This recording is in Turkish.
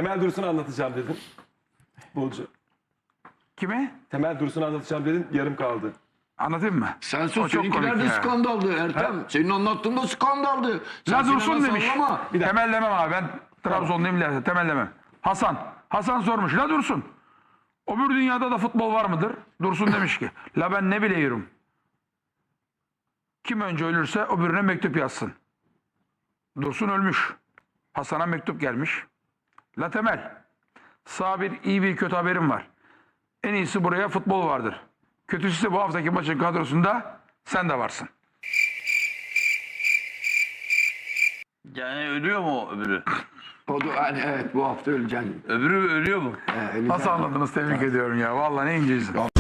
Temel Dursun'u anlatacağım dedin. Futbolcu. Kimi? Temel Dursun'u anlatacağım dedin. Yarım kaldı. Anlatayım mı? Sen O sus. çok Seninkiler komik de ya. skandaldı Ertem. Senin anlattığın da skandaldı. La Sen Dursun Sinan'a demiş. sallama. Temellemem abi, ben Trabzonluyum, temellemem. Hasan sormuş. La Dursun, öbür dünyada da futbol var mıdır? Dursun demiş ki, la ben ne biliyorum. Kim önce ölürse öbürüne mektup yazsın. Dursun ölmüş. Hasan'a mektup gelmiş. La Temel, sağ bir iyi bir kötü haberim var. En iyisi buraya futbol vardır. Kötüsü ise bu haftaki maçın kadrosunda sen de varsın. Yani ölüyor mu öbürü? O da hani evet bu hafta öleceksin. Öbürü ölüyor mu? Öleceksin. Nasıl anladınız? Tebrik ediyorum ya. Vallahi ne inceysin.